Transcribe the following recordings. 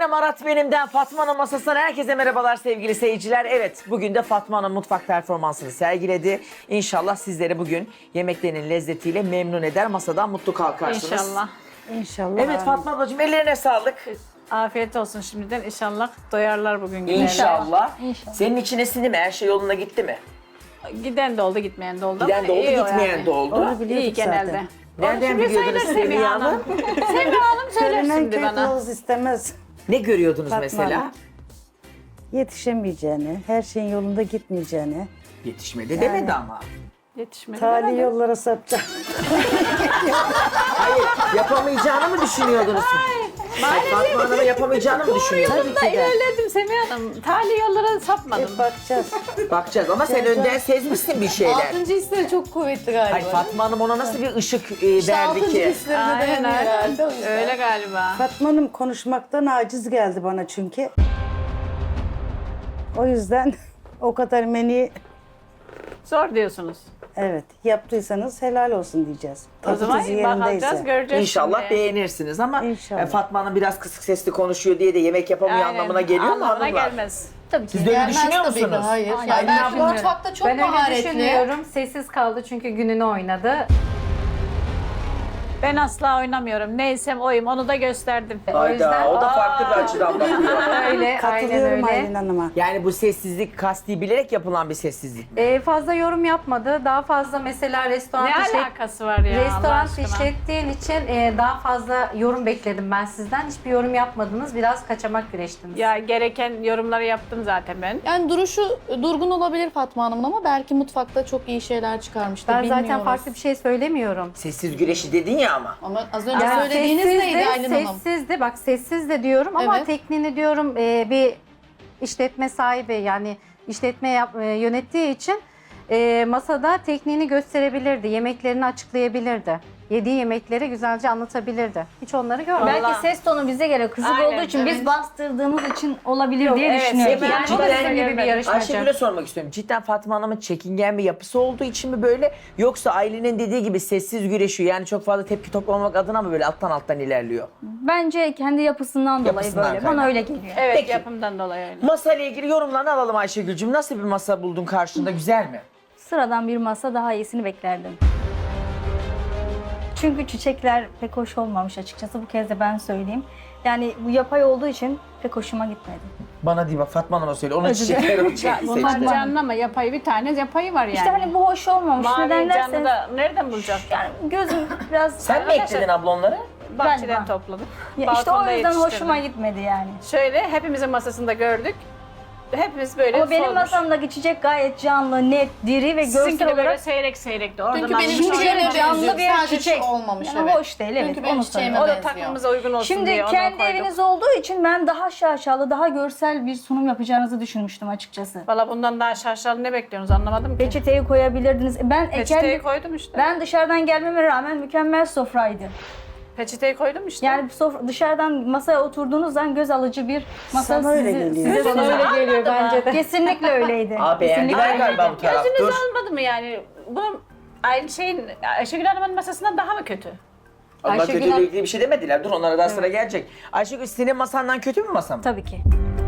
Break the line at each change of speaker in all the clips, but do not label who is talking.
efendim Arat benimden Fatma Hanım masasından herkese merhabalar sevgili seyirciler. Evet bugün de Fatma Hanım mutfak performansını sergiledi. İnşallah sizleri bugün yemeklerinin lezzetiyle memnun eder, masadan mutlu kalkarsınız.
İnşallah.
İnşallah.
Evet Fatma ablacığım ellerine sağlık.
Afiyet olsun şimdiden. İnşallah doyarlar bugün giderler.
İnşallah.
İnşallah.
Senin içine sindi mi? Her şey yoluna gitti mi?
Giden de oldu, gitmeyen de oldu.
Giden
ama
de oldu,
iyi o
gitmeyen
yani.
de oldu.
Onu biliyorduk
İyi genelde.
zaten.
Nereden
Şimdi
biliyordunuz
söyler
Semiha Hanım?
Semiha Hanım söyler
Söylenen
şimdi
köy
bana.
kılavuz istemez.
Ne görüyordunuz
Fatma
mesela?
Hanım. Yetişemeyeceğini, her şeyin yolunda gitmeyeceğini,
Yetişmedi demedi ama.
Yetişmedi.
tali yollara sapacak.
Hayır, yapamayacağını mı düşünüyordunuz? Hayır, Fatma Hanım'ın yapamayacağını mı düşünüyordunuz?
Tabii ki de.
İlerledim Semiha Hanım. Tali yollara sapmadım.
Hep bakacağız.
Bakacağız ama sen önden sezmişsin bir şeyler.
Altıncı hisleri çok kuvvetli galiba.
Hayır, Fatma Hanım ona nasıl bir ışık
İşte
verdi
altıncı
ki?
hislerine
Aynen
dayanıyor herhalde o
aynen.
yüzden.
Öyle galiba.
Fatma Hanım konuşmaktan aciz geldi bana çünkü. O yüzden o kadar menü
Zor diyorsunuz.
evet yaptıysanız helal olsun diyeceğiz.
O
Tadı
zaman
tuzu yerindeyse.
bakacağız, göreceğiz.
İnşallah
şimdi.
beğenirsiniz ama
İnşallah.
Fatma Hanım biraz kısık sesli konuşuyor diye de yemek yapamıyor
Aynen,
anlamına geliyor mu
anlamına
hanımlar?
gelmez.
Tabii ki.
Siz de öyle
Gelmez
düşünüyor
tabii ki,
musunuz?
hayır.
Aynen,
Yani
ben
ben
düşünmüyorum.
mutfakta çok
Ben öyle
maharetli.
düşünmüyorum. Sessiz kaldı çünkü gününü oynadı.
Ben asla oynamıyorum. Neysem oyum, onu da gösterdim.
Hayda, o da farklı bir açıdan bakıyor.
Öyle, aynen
Katılıyorum
öyle.
Aylin Hanım'a.
Yani bu sessizlik kasti bilerek yapılan bir sessizlik.
Fazla yorum yapmadı. Daha fazla mesela restoran
Ne alakası var ya Allah
restoran
aşkına?
işlettiğin için daha fazla yorum bekledim ben sizden. Hiçbir yorum yapmadınız. Biraz kaçamak güreştiniz.
Ya gereken yorumları yaptım zaten ben.
Yani duruşu durgun olabilir Fatma Hanım'ın ama belki mutfakta çok iyi şeyler çıkarmıştır.
ben
bilmiyoruz.
zaten farklı bir şey söylemiyorum.
Sessiz güreşi dedin ya ama.
Ama az önce
Yani
söylediğiniz neydi Aylin Hanım?
sessizdi. Bak sessiz de diyorum ama
Evet.
tekniğini diyorum bir işletme sahibi yani yönettiği için masada tekniğini gösterebilirdi. Yemeklerini açıklayabilirdi. Yediği yemekleri güzelce anlatabilirdi. Hiç onları görmedim.
Vallahi-
Belki ses tonu bize göre kısık
Aynen,
olduğu için
evet.
biz bastırdığımız için olabilir diye
evet,
düşünüyorum.
Semiha
Yani
Cidden
bu da sizin gibi bir
gelmedi.
yarışmacı.
Ayşegül'e sormak istiyorum. Cidden Fatma Hanım'ın çekingen bir yapısı olduğu için mi böyle? Yoksa ailenin dediği gibi sessiz güreşiyor. Yani çok fazla tepki toplamamak adına mı böyle alttan ilerliyor?
Bence kendi yapısından dolayı
Yapısından
böyle.
kaynaklı.
Bana öyle geliyor.
Evet,
Peki.
yapımdan dolayı öyle.
Masa ile ilgili yorumlarını alalım Ayşegül'cüğüm. Nasıl bir masa buldun karşında? Güzel mi?
Sıradan bir masa daha iyisini beklerdim. Çünkü çiçekler pek hoş olmamış açıkçası. Bu kez de ben söyleyeyim. Yani bu yapay olduğu için pek hoşuma gitmedi.
Bana değil bak Fatma Hanım'a söyle. Onun
Özür
çiçekleri o çiçekli
Bunlar
seçti.
canlı ama yapayı bir tane yapayı var yani.
İşte hani bu hoş olmamış.
Mavi
Neden
canlı
derseniz
da nereden bulacak?
yani gözüm biraz...
Sen mi ekledin abla onları?
Bahçeden
Ben-
topladım.
Ya işte o
Balkonda
yüzden
yetiştirdim.
hoşuma gitmedi yani.
Şöyle hepimizin masasında gördük. Hepimiz böyle
Ama benim
solmuş.
masamdaki çiçek gayet canlı, net, diri ve
Sizinki
görsel
de böyle
olarak
seyrek seyrekti. Oradan
Çünkü benim
almışlar.
çiçeğime
Şimdi canlı
benziyor.
bir
Sadece
çiçek.
şu olmamış
Yani
evet.
hoş değil, evet.
Çünkü benim
Onu
çiçeğime
O da
benziyor.
takvimimize uygun olsun
Şimdi
diye onu
kendi
koyduk.
eviniz olduğu için ben daha şaşalı, daha görsel bir sunum yapacağınızı düşünmüştüm açıkçası.
Valla bundan daha şaşalı ne bekliyorsunuz anlamadım ki.
Peçeteyi koyabilirdiniz.
Peçeteyi koydum işte.
Ben dışarıdan gelmeme rağmen mükemmel sofraydı.
Peçeteyi koydum işte.
Yani dışarıdan masaya oturduğunuz zaman göz alıcı bir masa
Sana öyle geliyor.
size
Bana öyle geliyor bence de.
Kesinlikle öyleydi.
Aa beğendiler
Kesinlikle
galiba bu
öyleydi.
taraf.
Gözünüz
Dur.
almadı mı yani? Bu aynı şeyin Ayşegül Hanım'ın masasından daha mı kötü?
Allah
Ayşegül
kötüyle
Hanım-
ilgili bir şey demediler. Dur onlara daha sıra gelecek. Ayşegül senin masandan kötü mü masam?
Tabii ki.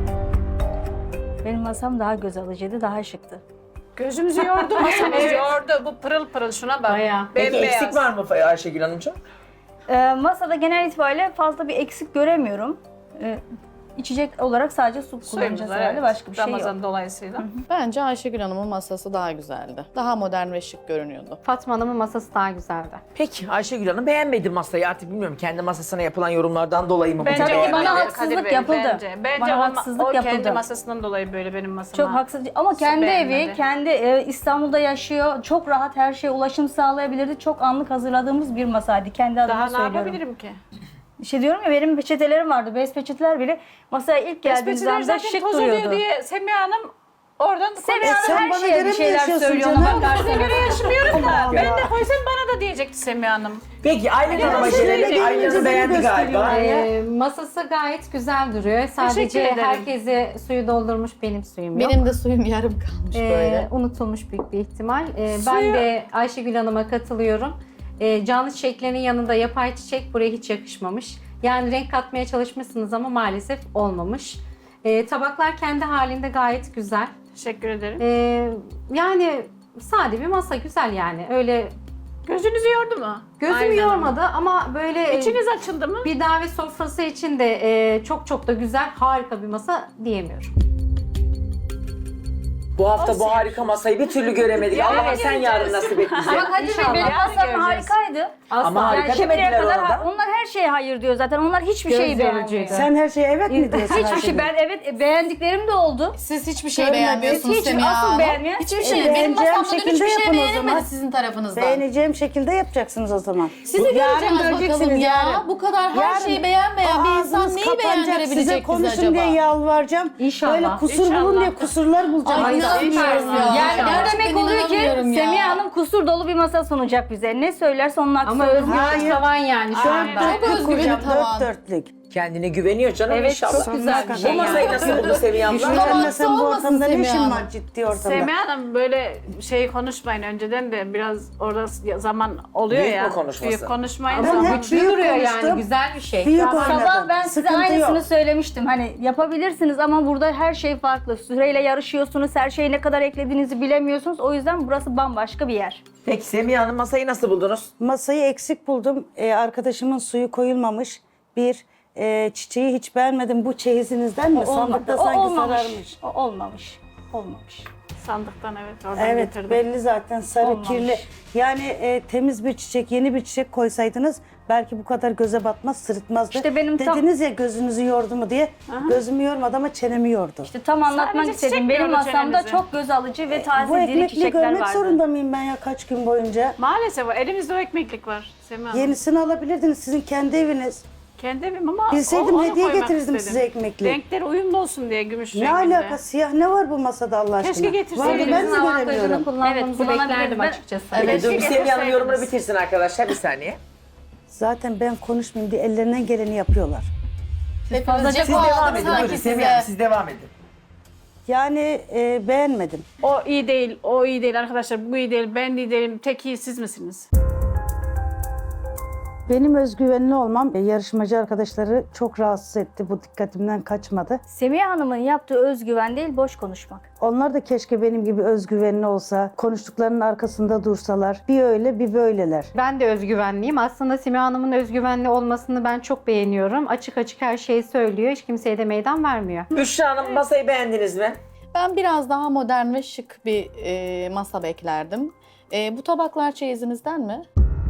Benim masam daha göz alıcıydı, daha şıktı.
Gözümüzü yordu, masamız yordu. Bu pırıl pırıl şuna bak.
Bayağı.
Peki
Bembeyaz.
eksik var mı Ayşegül Hanımcığım?
Masada genel itibariyle fazla bir eksik göremiyorum. İçecek olarak sadece su
Suyumuz
kullanacağız
var,
herhalde.
evet.
Başka bir şey yok.
Ramazan dolayısıyla.
Bence Ayşegül Hanım'ın masası daha güzeldi. Daha modern ve şık görünüyordu.
Fatma Hanım'ın masası daha güzeldi.
Peki Ayşegül Hanım beğenmedi masayı artık bilmiyorum kendi masasına yapılan yorumlardan dolayı mı?
Bence
bunu
Tabii
o
ki bana
beğenmedi?
haksızlık
Kadir Bey,
yapıldı.
Bence
Bana
o,
haksızlık
o kendi
yapıldı.
masasından dolayı böyle benim masama.
Çok haksız. Ama kendi
beğenmedi.
evi, kendi İstanbul'da yaşıyor. Çok rahat her şeye ulaşım sağlayabilirdi. Çok anlık hazırladığımız bir masaydı. Kendi adıma
Daha ne
söylüyorum.
yapabilirim ki?
İşte diyorum ya benim peçetelerim vardı. Bez peçeteler bile masaya ilk geldiğimiz
Espriciler
anda
zaten
şık
toz oluyor
duruyordu.
diye Semiha Hanım oradan
Semiha Hanım
sen
her
bana
şeye
göre
bir
mi
şeyler
yaşıyorsun
söylüyor
canım?
ona
size
bakarsanız.
göre yaşamıyorum da.
Allah
Ben de
Allah.
koysam bana da diyecekti Semiha Hanım.
Peki Aylin Hanım'a
size
gelelim.
gelince
Aylin Hanım
beni
beğendi galiba.
Masası gayet güzel duruyor. Sadece
ederim.
herkese suyu doldurmuş, benim suyum yok.
Benim de suyum yarım kalmış böyle.
Unutulmuş büyük bir ihtimal. Ben
Suyu-
de Ayşegül Hanım'a katılıyorum. Canlı çiçeklerin yanında yapay çiçek buraya hiç yakışmamış. Yani renk katmaya çalışmışsınız ama maalesef olmamış. Tabaklar kendi halinde gayet güzel.
Teşekkür ederim.
Yani sade bir masa, güzel yani. Öyle
Gözünüzü yordu mu?
gözümü
Aynen.
yormadı ama böyle
İçiniz açıldı mı?
bir davet sofrası için de çok da güzel, harika bir masa diyemiyorum.
Bu hafta bu harika masayı bir türlü göremedik.
Ya,
Allah'ım
evet,
sen yarın nasip et bize.
Ama Kadir Bey
İnşallah.
benim masam
Göreceğiz.
harikaydı.
Ama harika
Yani şimdiye
demediler
kadar
ona da.
onlar her şeye hayır diyor zaten. Onlar hiçbir
Göz
şeyi beğenmiyor.
yorucuydu.
Sen her şeye evet mi diyorsun?
Hiçbir
Ayşegül?
şey ben evet beğendiklerim de oldu.
Siz hiçbir şey
Görmedim.
beğenmiyorsunuz
Hiç
Semiha
asıl
Hanım.
beğenmeyen-
Hiçbir şey. Benim
beğeneceğim
masamda dün
şekilde
hiçbir şey
yapın o
beğenemedi
zaman.
sizin tarafınızdan.
Beğeneceğim şekilde yapacaksınız o zaman.
Sizi
Yarın
göreceğiz bakalım
göreceksiniz,
ya.
yarın.
Bu kadar her
Yarın
şeyi beğenmeyen bir insan
ağzınız
neyi
kapanacak, size
beğendirebilecek bize
konuşun
acaba?
diye yalvaracağım.
İnşallah.
Böyle kusur bulun diye kusurlar bulacağım.
Ay inanmıyorum ya.
Yani bu
Gerçekten
demek oluyor ki
inanamıyorum ya.
Semiha Hanım kusur dolu bir masa sunacak bize. Ne söylerse onun aksi
Ama
söz.
özgür
Hayır.
tavan yani şu anda.
Çok özgüveni
kuracağım,
tavan.
dört dörtlük.
Kendine güveniyor canım
Evet,
inşallah.
çok güzel bir
Bu
şey
masayı
yani.
nasıl buldu Seviye abla?
Düşünsene
Tamam,
sen bu
olmasın
ortamda ne
Semiha
işin
Hanım.
var ciddi ortamda?
Semiha Hanım böyle şey konuşmayın önceden de biraz orada zaman oluyor
Büyük
ya.
mü konuşması?
Büyük konuşmayın.
Ben
Zaman-
hep
Güçlü
büyük
duruyor
konuştum.
yani, güzel bir şey.
Büyük
Sabah
oynadım.
ben size
Sıkıntı
aynısını
yok.
söylemiştim. Hani yapabilirsiniz ama burada her şey farklı. Süreyle yarışıyorsunuz. Her şeyi ne kadar eklediğinizi bilemiyorsunuz. O yüzden burası bambaşka bir yer.
Peki Semiha Hanım masayı nasıl buldunuz?
Masayı eksik buldum. Arkadaşımın suyu koyulmamış. Çiçeği hiç beğenmedim. Bu çeyizinizden mi? Sandıkta
O
sanki
olmamış.
sararmış.
O olmamış. Olmamış.
Sandıktan evet oradan
Evet
getirdim.
belli zaten sarı
Olmamış.
kirli. Yani temiz bir çiçek, yeni bir çiçek koysaydınız belki bu kadar göze batmaz, sırıtmazdı.
İşte benim tam-
Dediniz ya gözünüzü yordu mu diye. Gözümü yormadı ama çenemi yordu.
İşte tam anlatmak
Sadece
istediğim.
çiçek
Benim
yiyordu
masamda
çenenizi.
çok göz alıcı ve
Bu
taze diri
ekmekli
çiçekler
görmek
vardı.
zorunda mıyım ben ya kaç gün boyunca?
Maalesef o elimizde o ekmeklik var Semiha Hanım.
Yenisini alabilirdiniz sizin kendi eviniz.
Kendi evim ama
Bilseydim
onu
hediye
koymak
getirirdim
istedim.
size ekmekli.
Renkleri uyumlu olsun diye gümüş
Ne
renginde.
alaka siyah ne var bu masada Allah aşkına?
Keşke getirseydiniz.
Vallahi ben de
Evinizin avantajını
göremiyorum.
kullanmanızı
Evet,
beklerdim
kullanabilirim.
açıkçası.
Evet.
Dur bir Semiha Hanım
getirseydiniz.
yorumunu bitirsin arkadaşlar bir saniye.
Zaten ben konuşmayayım diye ellerinden geleni yapıyorlar.
Hepiniz
Siz
cefa
devam
aldım
edin buyurun
sanki
Semiha Hanım
size.
siz devam edin.
Yani beğenmedim.
O iyi değil, o iyi değil arkadaşlar. Bu iyi değil, ben de iyi değilim. Tek iyi siz misiniz?
Benim özgüvenli olmam yarışmacı arkadaşları çok rahatsız etti. Bu dikkatimden kaçmadı.
Semiha Hanım'ın yaptığı özgüven değil, boş konuşmak.
Onlar da keşke benim gibi özgüvenli olsa, konuştuklarının arkasında dursalar. Bir öyle bir böyleler.
Ben de özgüvenliyim. Aslında Semiha Hanım'ın özgüvenli olmasını ben çok beğeniyorum. Açık açık her şeyi söylüyor. Hiç kimseye de meydan vermiyor.
Büşra Hanım masayı beğendiniz mi?
Ben biraz daha modern ve şık bir masa beklerdim. Bu tabaklar çeyizinizden mi?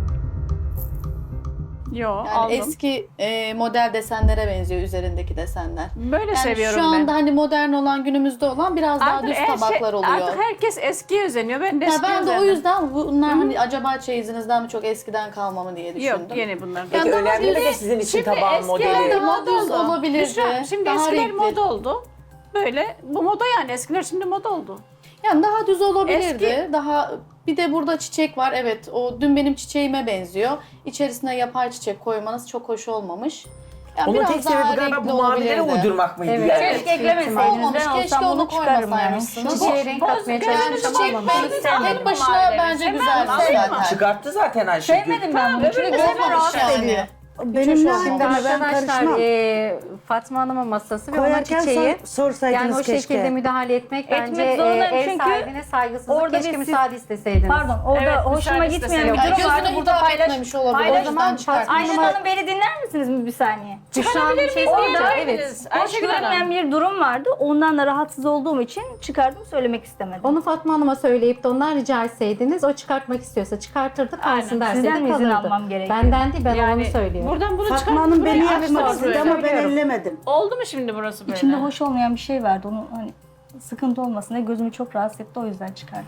Yo,
Yani
aldım.
eski model desenlere benziyor üzerindeki desenler.
Böyle
Yani
seviyorum
şu anda
ben.
hani modern olan, günümüzde olan biraz daha
Artık
düz
her
tabaklar oluyor.
Artık herkes eskiye özeniyor. Ben de
Ya
eskiye
ben de o
özendim.
yüzden bunlar hani acaba çeyizinizden mi çok eskiden kalma mı diye düşündüm.
Yok, yeni bunlar.
Peki
daha
önemli mi
düz-
de sizin için
Şimdi
tabağın
eski
modeli?
evde
Daha
moda
düz
oldu.
olabilirdi,
Büşra, şimdi
daha
eskiler
renkli.
moda oldu. Böyle, bu moda yani. Eskiler şimdi moda oldu.
Yani daha düz olabilirdi.
Eski-
Daha bir de burada çiçek var. Evet, o dün benim çiçeğime benziyor. İçerisine yapay çiçek koymanız çok hoş olmamış. Yani
Onun
biraz
tek
daha
sebebi galiba
renkli
bu mavileri
olabilirdi.
uydurmak mıydı
Evet.
yani?
Keşke eklemeseydiniz.
Olmamış,
Ben
keşke
olsam
onu
bunu çıkarım yani.
koymasaymışsınız.
Çiçeğe renk katmaya
gözünüzü
Yani
çalışmışım
çiçek
ama olmamış.
tek başına
mavileri.
bence
Sevmem,
güzelmiş
alayım mı?
zaten.
Çıkarttı zaten Ayşegül.
Sevmedim ben bunu. Çünkü
öbürünü
gözüm
sevmem
rahatsız
yani.
ediyor.
Benim ne
Şimdi
haddime ben
arkadaşlar
karışmam.
Fatma Hanım'ın masası ve ona
Koyarken
çiçeği.
sorsaydınız
Yani o
keşke.
şekilde müdahale etmek
Etmek
bence
zorundayım
ev
çünkü
sahibine saygısızlık.
orada
Keşke
bir siz-
müsaade isteseydiniz.
Pardon, orada
Evet,
hoşuma
müsaade
gitmeyen bir
istesem.
Yani
durum vardı.
gözüne
Burada
hitap
paylaş.
etmemiş olabilir.
paylaş-
O yüzden çıkartmış.
Ayşe Hanım beni dinler misiniz bir saniye?
Büşra Hanım bir şey
Orada
söyleyeceğim. Evet.
ayrınız.
Hoş
Ayşegül Hanım.
görünmeyen bir durum vardı. Ondan da rahatsız olduğum için çıkardım, söylemek istemedim.
Onu Fatma Hanım'a söyleyip de ondan rica etseydiniz, o çıkartmak istiyorsa çıkartırdı, kalsın
Aynen.
derseydi
Sizden mi izin
kalırdı.
almam gerekiyor?
Benden değil, ben
Yani
onu söylüyorum.
buradan bunu
Fatma Hanım beni
buraya
yapmak
açtınız
istedi
böyle.
ama ben ellemedim.
Oldu mu şimdi burası böyle?
İçinde hoş olmayan bir şey vardı. Onu hani sıkıntı olmasın diye gözümü çok rahatsız etti. O yüzden çıkardım.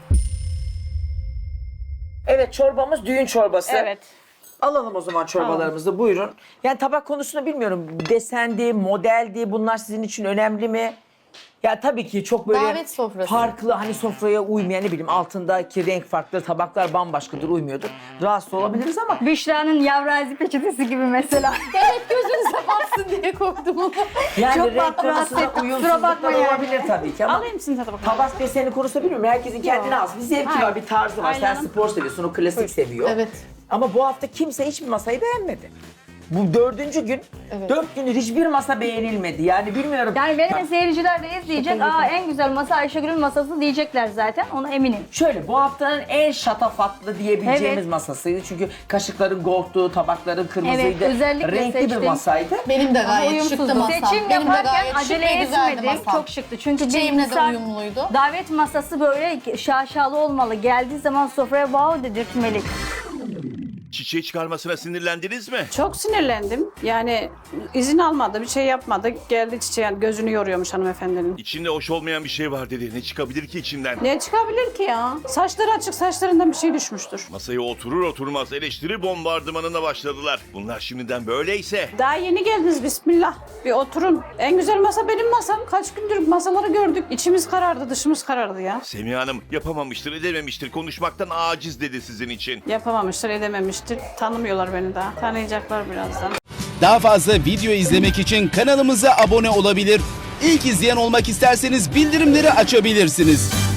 Evet çorbamız düğün çorbası.
Evet.
Alalım o zaman çorbalarımızı buyurun. Yani tabak konusunu bilmiyorum. Desendi, modeldi bunlar sizin için önemli mi? Ya tabii ki çok böyle
Davet sofrası.
farklı hani sofraya uymayan ne bileyim altındaki renk farklı tabaklar bambaşkadır uymuyordur. Rahatsız olabiliriz ama
Büşra'nın yavrazi peçetesi gibi mesela.
Evet, gözünüze batsın diye koydum onu.
yani
Çok
renk
rahatsız
konusunda
ettim, kusura
uyumsuzluklar
bakma yani.
olabilir tabii ki ama
Alayım sizin tadına bakalım.
tabak deseni konusunda bilmiyorum. Herkesin kendine az bir zevki var, bir tarzı var. Sen
Aynen.
spor seviyorsun, o klasik seviyor.
Evet.
Ama bu hafta kimse hiçbir masayı beğenmedi. Bu 4. gün, 4 gündür hiçbir masa beğenilmedi. Yani bilmiyorum.
Yani benim seyirciler de izleyecek. Aa en güzel masa Ayşegül'ün masası diyecekler zaten. Ona eminim.
Şöyle bu haftanın en şatafatlı diyebileceğimiz
Evet.
masasıydı. Çünkü kaşıkların goldtu, tabakların kırmızıydı.
Evet, özellikle
renkli bir
seçtim.
masaydı.
Benim de gayet
Uyumsuzdu.
şıktı masam.
Seçim
Benim de
yaparken
gayet şık
acele
ve güzeldi
etmedim.
masam.
Çok şıktı. Çünkü bir
Çiçeğimle de
insan
uyumluydu.
davet masası böyle şaşalı olmalı. Geldiği zaman sofraya wow dedirtmeli.
Çiçeği çıkarmasına sinirlendiniz mi?
Çok sinirlendim. Yani izin almadı, bir şey yapmadı. Geldi çiçeğe gözünü yoruyormuş hanımefendinin.
İçinde hoş olmayan bir şey var dedi. Ne çıkabilir ki içinden?
Ne çıkabilir ki ya? Saçları açık, saçlarından bir şey düşmüştür.
Masaya oturur oturmaz eleştiri bombardımanına başladılar. Bunlar şimdiden böyleyse.
Daha yeni geldiniz bismillah. Bir oturun. En güzel masa benim masam. Kaç gündür masaları gördük. İçimiz karardı, dışımız karardı ya.
Semiha Hanım yapamamıştır edememiştir konuşmaktan aciz dedi sizin için.
Yapamamıştır, edememiştir. Tanımıyorlar beni daha. Tanıyacaklar birazdan.
Daha fazla video izlemek için kanalımıza abone olabilir. İlk izleyen olmak isterseniz bildirimleri açabilirsiniz.